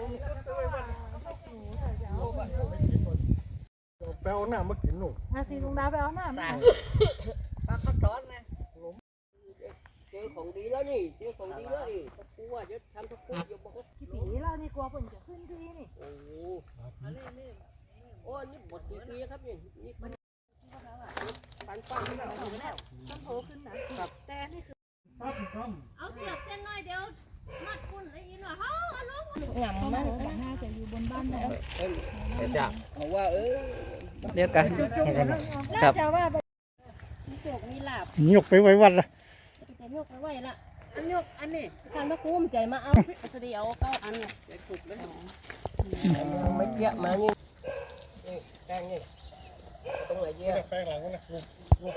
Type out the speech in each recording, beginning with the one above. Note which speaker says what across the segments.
Speaker 1: ไปเอาหน้ามากินหนู
Speaker 2: สิลุงดาไปเอาหน้ามา
Speaker 3: ปลาข้าวร้อนนะเจอของดีแล้วนี่เจอของดีแล้วนี่ตะปูอ่ะเดี๋ยวทำตะปูอยู่บอกว่า
Speaker 2: กี่ปีแล้วนี่กลัวฝนจะขึ้นที่นี่
Speaker 3: โอ้อันนี้โอ้นี่หมดกี่ปีครับนี่มันปันนี่แล้ว
Speaker 2: ต้นโผล่ขึ้นนะแต่นี่คือ
Speaker 4: เอาเปลือกเส้นน้อยเดียวมัดคุณเลยอีหน่อยเขาเอาลง
Speaker 2: หลังมันน่าจะอยู่บนบ้านแล้ว
Speaker 3: จ้ะเขาว่า
Speaker 5: เดียวกัน
Speaker 2: น่าจะว่า
Speaker 4: มีโจกมีลาบ
Speaker 1: ยกไปไว้วัดละ
Speaker 4: จะยกไปไว้ละอันยกอันนี้การมาคุ้มใจมาเอาสดีเอาเก้าอันเนี่ยไปขุดเลย
Speaker 3: ไม่เยอะมานี่แกงนี่ตรงไหนเยอะ
Speaker 1: แป้งหลังนะลูก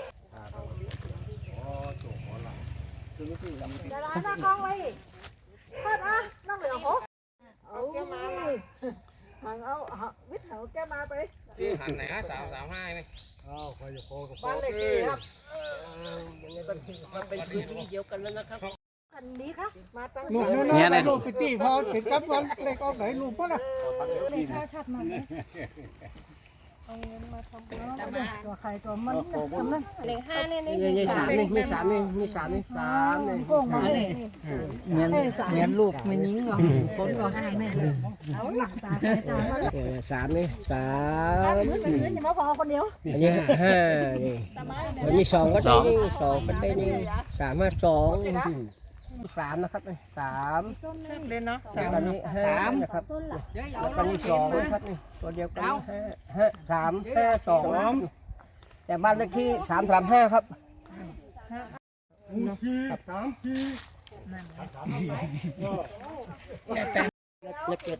Speaker 2: จะร้านหน้ากล้องไว้ทอดอ่ะน้องเหลือหกเอาแกมาหังเอาวิทย์เอาแกมาไป
Speaker 5: หันไหนฮะ335นี่
Speaker 1: ใครจะโคกับ
Speaker 3: บ้านเลขที่ครับยังไงก็มันเป็นพื้นที่เดียวกันแล้วนะครับ
Speaker 2: กันนี้ค่ะมาตั้ง
Speaker 1: นู่นลูกไปตีพอปิดกับวันเล็กออกไหนลูกพ่อละ
Speaker 2: เลยข้าวชัดมันเอาเงินมาทำตัวไข่ตัวมันทำนั่น
Speaker 4: เลข5นี่
Speaker 3: มี3นี่มี3นี่มี3นี่3นี่
Speaker 2: โป่งมาเลย
Speaker 5: เงี้ยลูกไม่ยิงหรอคนก็
Speaker 2: แม่เอาหลังตาตา
Speaker 3: 3นี่3
Speaker 2: มืออย่ามาพอคนเดียว
Speaker 3: อันนี้5นี่อันนี้2ก็ได้นี่2ก็ได้นี่3 5 2 3นะครับ3
Speaker 2: เลยเนาะ
Speaker 3: อันนี้5นะครับอันนี้2นะครับนี่ตัวเดียวกัน3 5 2แต่บ้านเลขที่335ครับเล็กเก็ด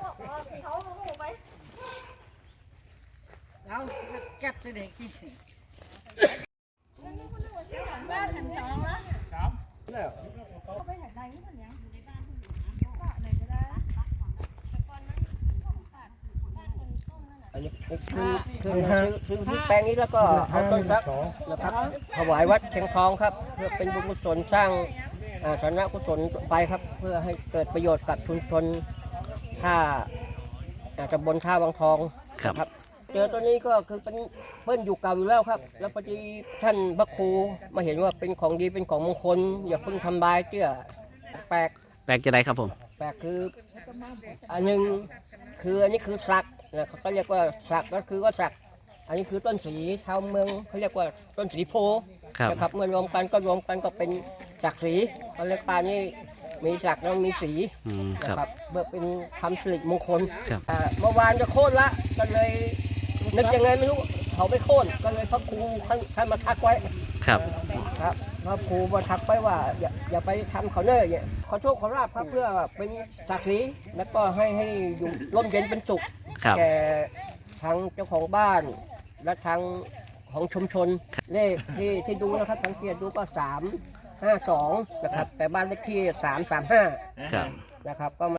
Speaker 2: เอาแก็บเด็กที่
Speaker 4: บ้านทั้งสองแล้ว
Speaker 3: แล้ว
Speaker 2: ไปไหนไหนมันยัง
Speaker 3: อันนี้ซื้อแปลงนี้แล้วก็เอาต้นรักนะครับถวายวัดเชียงทองครับเพื่อเป็นบุญกุศลสร้างสาธารณกุศลไปครับเพื่อให้เกิดประโยชน์กับชุมชนท่าตำบลท่าวังทองครับเจอตัวนี้ก็คือเป็นเปิ้ลอยู่เก่าอยู่แล้วครับแล้วพอดีท่านพระครูมาเห็นว่าเป็นของดีเป็นของมงคลอย่าเพิ่งทำลายเจื้อแปลก
Speaker 5: จะได้ครับผม
Speaker 3: แปลกคืออันหนึ่งคืออันนี้คือสักนะเขาก็เรียกว่าสักก็คือว่าสักอันนี้คือต้นสีชาวเมืองเขาเรียกว่าต้นสีโพนะครับเมื่อรวมกันก็เป็นสักสีเขาเรียกปลานี่มีสักแล้วมีสีนะครับเพื่อเป็นคำสิริมงคลเมื่อวานจะโค่นละก็เลยนึกยังไงไม่รู้เขาไม่โค่นก็เลยพระครูท่านมาทักไว้
Speaker 5: ครับ
Speaker 3: พระครูมาทักไว้ว่าอย่าไปทำเขาเน่ยขอโชคขอลาภครับเพื่อเป็นศักดิ์ศรีแล้วก็ให้อยู่ร่มเย็นเป็นสุขแก่ทางเจ้าของบ้านและทางของชุมชนเลขที่ดูนะครับสังเกตดูก็352นะครับแต่บ้านเลขที่335นะครับก็